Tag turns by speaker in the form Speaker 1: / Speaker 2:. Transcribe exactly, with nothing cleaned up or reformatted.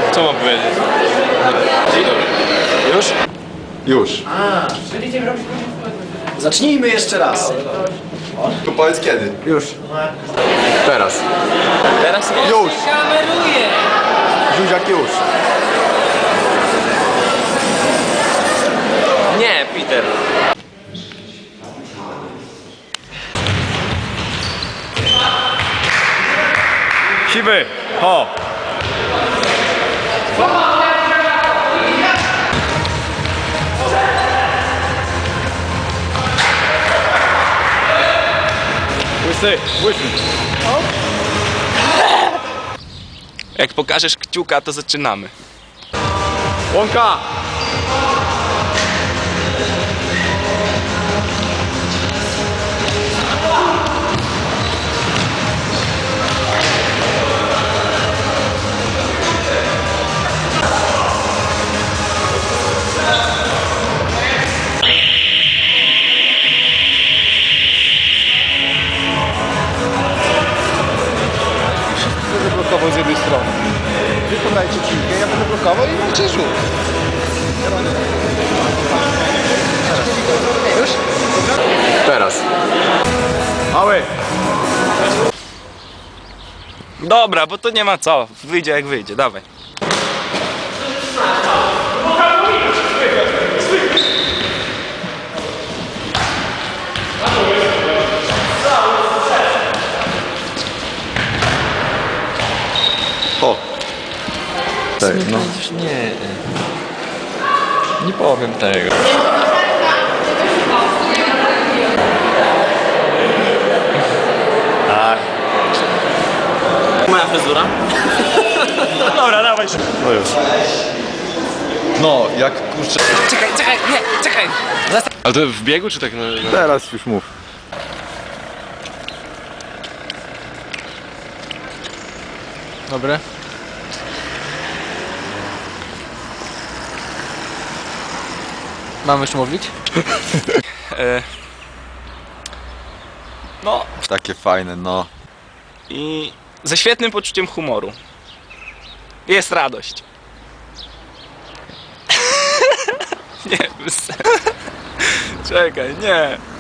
Speaker 1: Co mam powiedzieć?
Speaker 2: Już?
Speaker 3: Już.
Speaker 2: Zacznijmy jeszcze raz.
Speaker 3: To powiedz kiedy?
Speaker 2: Już.
Speaker 3: Teraz.
Speaker 1: Teraz nie.
Speaker 3: Już.
Speaker 1: Kameruję.
Speaker 3: Zuziak już.
Speaker 1: Nie, Peter.
Speaker 4: Siwy, ho! Łysy, łysy.
Speaker 1: Jak pokażesz kciuka, to zaczynamy.
Speaker 4: Łąka!
Speaker 3: Będę blokował z jednej strony. Wy podajcie piłkę, ja będę blokował i macie rzut. Już? Teraz.
Speaker 4: Mały!
Speaker 1: Dobra, bo to nie ma co. Wyjdzie jak wyjdzie, dawaj.
Speaker 3: O. Tak, no.
Speaker 4: Nie. Nie powiem tego. Tak.
Speaker 1: Moja fryzura?
Speaker 4: Dobra, dawaj się.
Speaker 3: No już. No, jak kurczę.
Speaker 1: Czekaj, czekaj, nie, czekaj.
Speaker 4: Ale to w biegu czy tak na... na...
Speaker 3: Teraz już mów.
Speaker 4: Dobre. Mam już mówić?
Speaker 1: E, no
Speaker 3: Takie fajne, no.
Speaker 1: i ze świetnym poczuciem humoru. Jest radość. Nie, bez... Czekaj, nie.